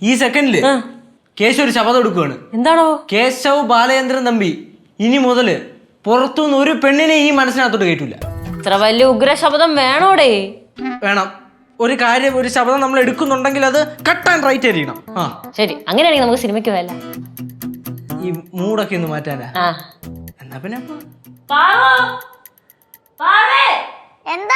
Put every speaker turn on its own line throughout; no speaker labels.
ഈ സെക്കൻഡില് കേശു ഒരു ശപഥം എടുക്കുകയാണ്.
എന്താണോ?
കേശവ് ബാലചന്ദ്രൻ തമ്പി ഇനി മുതല് പുറത്തുനിന്ന് ഒരു പെണ്ണിനെ ഈ മനസ്സിനകത്തോട്ട് കേട്ടില്ല.
ഇത്ര വലിയ ഉഗ്ര ശബ്ദം വേണോടേ?
വേണം. ഒരു കാര്യം, ഒരു ശബ്ദം നമ്മൾ എടുക്കുന്നുണ്ടെങ്കിൽ അത് കട്ട് ആൻഡ് റൈറ്റ് ആയിരിക്കണം.
ശരി, അങ്ങനെയാണെങ്കിൽ നമുക്ക് സിനിമയ്ക്ക് പോയല്ല.
ഈ മൂടൊക്കെ ഒന്ന് മാറ്റാനാ. എന്നാ പിന്നെ
എന്താ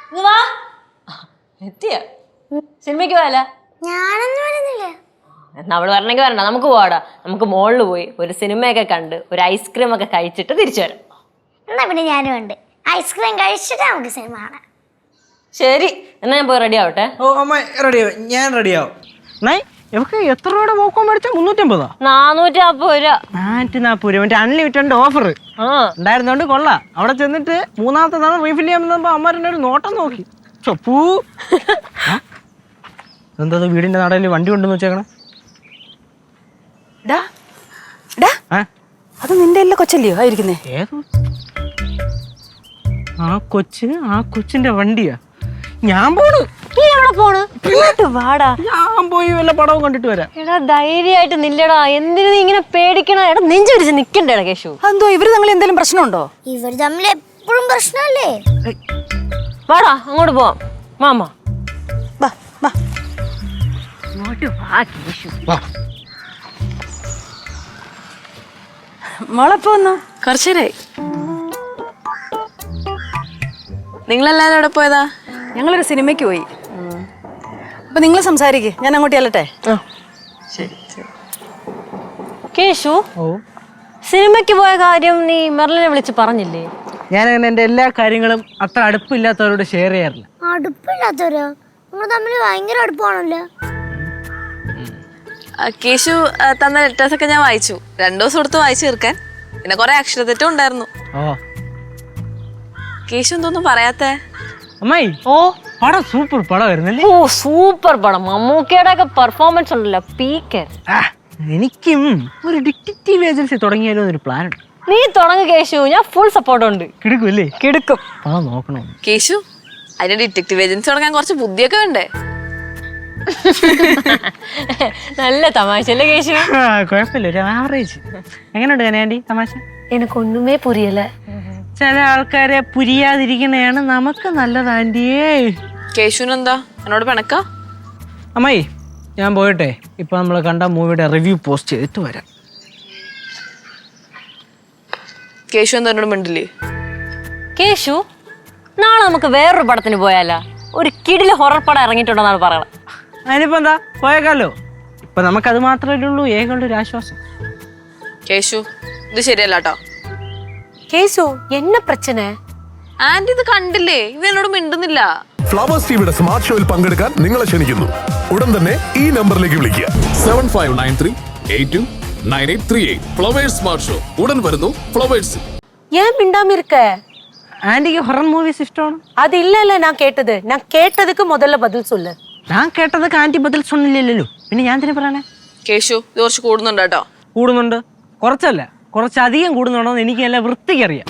എത്തിയ സിനിമയ്ക്ക് പോയല്ല?
ഞാനൊന്നും വരുന്നില്ല.
എന്നാ അവള് വരണമെങ്കിൽ വരണ്ട, നമുക്ക് പോവാടാ. നമുക്ക് മോളിൽ പോയി ഒരു സിനിമയൊക്കെ കണ്ട് ഒരു ഐസ്ക്രീം ഒക്കെ കഴിച്ചിട്ട് തിരിച്ചു വരാം.
എന്നാ പിന്നെ ഞാനും ഉണ്ട്. ഐസ്ക്രീം കഴിച്ചിട്ട് നമുക്ക് സിനിമ കാണാം.
ശരി, എന്നാ ഞാൻ പോയി റെഡി ആവട്ടെ.
ഓ അമ്മ റെഡിയാവും, ഞാൻ റെഡിയാവും. എത്ര രൂപയുടെ പോക്കോൺ മേടിച്ചാ? 350.
440 രൂപ.
440 രൂപ. അൺലിമിറ്റഡ് ഓഫർ ഉണ്ടായിരുന്നോണ്ട് കൊള്ളാം. അവിടെ ചെന്നിട്ട് മൂന്നാമത്തെ തവണ റീഫിൽ ചെയ്യാൻ അമ്മ ഒരു നോട്ടം നോക്കി. എന്താ വീടിന്റെ നടയിൽ വണ്ടി കൊണ്ടെന്ന് വെച്ചേക്കണേ?
അത് നിന്റെ എല്ലാ കൊച്ചല്ലയോ ആയിരിക്കുന്നേ?
ഏതോ ആ കൊച്ചിന്റെ വണ്ടിയാ. ഞാൻ പോണ്.
വാടാ,
ഞാൻ പോയി വല്ല പടവും കണ്ടിട്ട് വരാം.
എടാ ധൈര്യമായിട്ട് നില്ലടാ. എന്തിനു നീ ഇങ്ങനെ പേടിക്കണ? എടാ നെഞ്ചൊരിച്ച് നിക്കണ്ടേടാ കേശു.
എന്തോ ഇവര് തമ്മിൽ എന്തെങ്കിലും പ്രശ്നമുണ്ടോ?
ഇവർ തമ്മിൽ എപ്പോഴും പ്രശ്നമല്ലേ?
വാടാ അങ്ങോട്ട് പോവാം. മാമ
മോളെപ്പോ വന്നു? കുറച്ചേരായി.
നിങ്ങളെല്ലാരും എവിടെ പോയതാ?
ഞങ്ങളൊരു സിനിമയ്ക്ക് പോയി. അപ്പൊ നിങ്ങൾ സംസാരിക്കേ, ഞാൻ അങ്ങോട്ട് ചെല്ലട്ടെ.
കേശു, സിനിമയ്ക്ക് പോയ കാര്യം നീ മെർലിനെ വിളിച്ച് പറഞ്ഞില്ലേ?
ഞാൻ അങ്ങനെ എന്റെ എല്ലാ കാര്യങ്ങളും അത്ര അടുപ്പില്ലാത്തവരോട് ഷെയർ ചെയ്യാറില്ല.
അടുപ്പില്ലാത്തവരോ? നിങ്ങൾ തമ്മിൽ ഭയങ്കര അടുപ്പാണല്ലോ.
കേശു തന്ന ലെറ്റേഴ്സ് ഒക്കെ ഞാൻ വായിച്ചു. 2 ദിവസം എടുത്ത് വായിച്ചു തീർക്കാൻ. പിന്നെ കുറെ അക്ഷരത്തെറ്റും ഉണ്ടായിരുന്നു. കേശു എന്തോന്നും പറയാത്തേ?
അമ്മായി, പടം സൂപ്പർ പടമായിരുന്നല്ലേ?
ഓ സൂപ്പർ പടം. മമ്മൂക്കയുടെ ഒക്കെ പെർഫോമൻസ് ഉണ്ടല്ലോ, പീക്കർ.
എനിക്കും ഒരു ഡിറ്റക്റ്റീവ് ഏജൻസി തുടങ്ങിയാലോ എന്നൊരു പ്ലാൻ ഉണ്ട്.
നീ തുടങ്ങ് കേശു, ഞാൻ ഫുൾ സപ്പോർട്ട് ഉണ്ട്.
കിടക്കുമല്ലേ?
കിടക്കും.
പടം നോക്കണോ?
കേശു, അതിന് ഡിറ്റക്റ്റീവ് ഏജൻസി തുടങ്ങാൻ കുറച്ച് ബുദ്ധിയൊക്കെ വേണ്ടേ?
നല്ല തമാശ അല്ലേ കേശു?
കുഴപ്പമില്ല, ഒരു ആവറേജ്. എങ്ങനെയുണ്ട് കനയാൻഡി തമാശ?
എനക്കൊന്നുമേ പുരിയല്ല.
ചില ആൾക്കാരെ പുരിയാതിരിക്കണയാണ് നമുക്ക് നല്ലത് ആൻറ്റിയേ.
കേശുനെന്താ എന്നോട് പിണക്ക?
അമ്മായി, ഞാൻ പോയിട്ടെ ഇപ്പൊ നമ്മൾ കണ്ട മൂവിയുടെ റിവ്യൂ പോസ്റ്റ് ചെയ്തിട്ട് വരാം.
കേശു എന്താ എന്നോട് മിണ്ടില്ലേ?
കേശു, നാളെ നമുക്ക് വേറൊരു പടത്തിന് പോയാലോ? ഒരു കിടില് ഹൊറർ പടം ഇറങ്ങിയിട്ടുണ്ടെന്നാണ് പറയണത്.
അതിനിപ്പോ എന്താ, പോയേക്കാലോ. ഇപ്പൊ നമുക്കത് മാത്രമല്ലേ ഉള്ളൂ ഏകളുടെ ഒരു ആശ്വാസം.
കേശു, ഇത് ശരിയല്ല കേട്ടോ.
കേശു, എന്ന പ്രശ്ന?
ആന്റി ഇത് കണ്ടില്ലേ? ഇവ എന്നോട് മിണ്ടുന്നില്ല.
ഫ്ലവേഴ്സ് ടിവിയുടെ സ്മാർട്ട് ഷോയിൽ പങ്കെടുക്കാൻ നിങ്ങളെ ക്ഷണിക്കുന്നു. ഉടൻ തന്നെ ഈ നമ്പറിലേക്ക് വിളിക്കുക.
7593829838. ഫ്ലവേഴ്സ് സ്മാർട്ട് ഷോ ഉടൻ വരുന്നു ഫ്ലവേഴ്സ്.
ஏன் மிண்டாம இருக்க?
ആന്റിക്ക് ഹൊറർ മൂവീസ് ഇഷ്ടമാണ്?
அது இல்ல நான் கேட்டது. நான் கேட்டதுக்கு முதல்ல பதில் சொல்லு.
ഞാൻ കേട്ടതൊക്കെ ആന്റി ബദൽ സൊന്നില്ലല്ലോ, പിന്നെ ഞാൻ തന്നെ പറയണേ.
കേശു, ഇത് കുറച്ച് കൂടുന്നുണ്ട് കേട്ടോ.
കൂടുന്നുണ്ട്, കുറച്ചല്ല കുറച്ചധികം കൂടുന്നുണ്ടോന്ന് എനിക്ക് നല്ല വൃത്തിക്കറിയാം.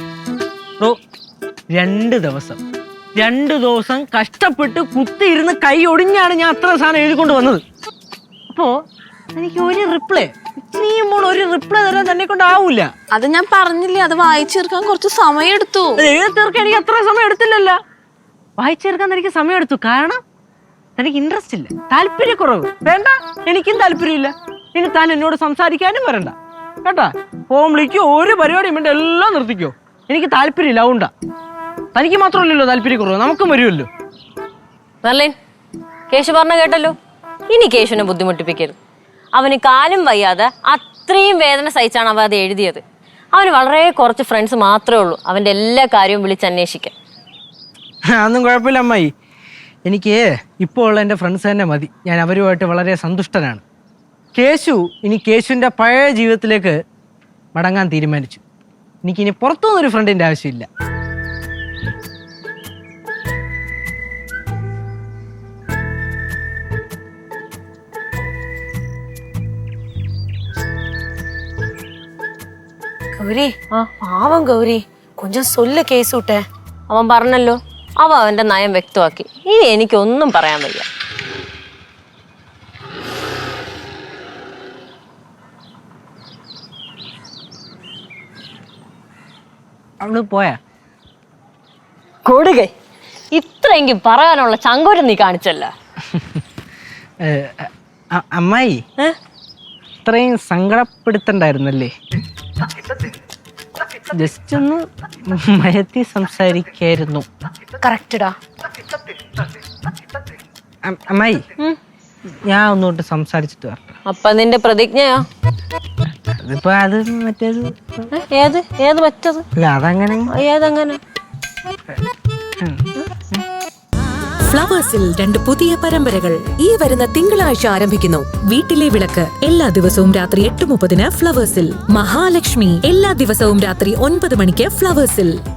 2 ദിവസം കഷ്ടപ്പെട്ട് കുത്തിയിരുന്ന് കൈ ഒടിഞ്ഞാണ് ഞാൻ അത്ര സാധനം എഴുതിക്കൊണ്ട് വന്നത്. അപ്പോ എനിക്ക് ഒരു റിപ്ലൈ തരാൻ തന്നെ കൊണ്ടാവൂല.
അത് ഞാൻ പറഞ്ഞില്ലേ, അത് വായിച്ചു തീർക്കാൻ കുറച്ച് സമയം എടുത്തു.
എഴുതി തീർക്കാൻ എനിക്ക് അത്ര സമയം എടുത്തില്ലല്ലോ. വായിച്ചു തീർക്കാൻ എനിക്ക് സമയം എടുത്തു. കാരണം എനിക്ക് ഇൻട്രസ്റ്റ് ഇല്ല, താല്പര്യക്കുറവ്. വേണ്ട, എനിക്കും താല്പര്യമില്ല. ഇനി താൻ എന്നോട് സംസാരിക്കാനും വരണ്ട കേട്ടാ. ഫോൺ വിളിക്കോ, ഒരു പരിപാടിയും വേണ്ട, എല്ലാം നിർത്തിക്കോ. എനിക്ക് താല്പര്യമില്ല, അതുകൊണ്ടാ. തനിക്ക് മാത്രമല്ലല്ലോ താല്പര്യക്കുറവ്, നമുക്കും വരുമല്ലോ.
മെർലിൻ, കേശു പറഞ്ഞ കേട്ടല്ലോ. ഇനി കേശുവിനെ ബുദ്ധിമുട്ടിപ്പിക്കരുത്. അവന് കാലും വയ്യാതെ അത്രയും വേദന സഹിച്ചാണ് അവ അത് എഴുതിയത്. അവന് വളരെ കുറച്ച് ഫ്രണ്ട്സ് മാത്രമേ ഉള്ളൂ അവൻ്റെ എല്ലാ കാര്യവും വിളിച്ചന്വേഷിക്കാൻ.
അതൊന്നും കുഴപ്പമില്ല അമ്മായി. എനിക്ക് ഇപ്പോൾ ഉള്ള എൻ്റെ ഫ്രണ്ട്സ് തന്നെ മതി. ഞാൻ അവരുമായിട്ട് വളരെ സന്തുഷ്ടനാണ്. കേശു ഇനി കേശുവിൻ്റെ പഴയ ജീവിതത്തിലേക്ക് മടങ്ങാൻ തീരുമാനിച്ചു. എനിക്കിനി പുറത്തുനിന്നൊരു ഫ്രണ്ടിൻ്റെ ആവശ്യമില്ല.
கௌரி, பாவம் கௌரி, கொஞ்சம் சொல்ல கேஸ் விட்ட.
അവൻ പറഞ്ഞല്ലോ, അവൻ്റെ നയം വ്യക്തമാക്കി. ഇനി എനിക്കൊന്നും പറയാൻ വയ്യ.
അവള് പോയാ?
കൊടുകൈ ഇത്രയെങ്കിലും പറയാനുള്ള ചങ്കോരം നീ കാണിച്ചല്ല.
അമ്മായി ഇത്രയും സങ്കടപ്പെടുത്തണ്ടായിരുന്നല്ലേ? ജസ്റ്റ് ഒന്ന് മയത്തി സംസാരിക്കായിരുന്നു.
കറക്റ്റഡാ.
അമ്മായി ഞാൻ ഒന്നുകൊണ്ട് സംസാരിച്ചിട്ട് വരട്ടെ.
അപ്പൊ നിന്റെ പ്രതിജ്ഞയോ?
അതിപ്പോ അത് മറ്റേത്
ഏത് ഏത് മറ്റത്?
അല്ല അതങ്ങനെ
ഏതങ്ങനെ?
ഫ്ലവേഴ്സിൽ 2 പുതിയ പരമ്പരകൾ ഈ വരുന്ന തിങ്കളാഴ്ച ആരംഭിക്കുന്നു. വീട്ടിലെ വിളക്ക് എല്ലാ ദിവസവും രാത്രി 8:30 ഫ്ലവേഴ്സിൽ. മഹാലക്ഷ്മി എല്ലാ ദിവസവും രാത്രി 9 മണിക്ക് ഫ്ലവേഴ്സിൽ.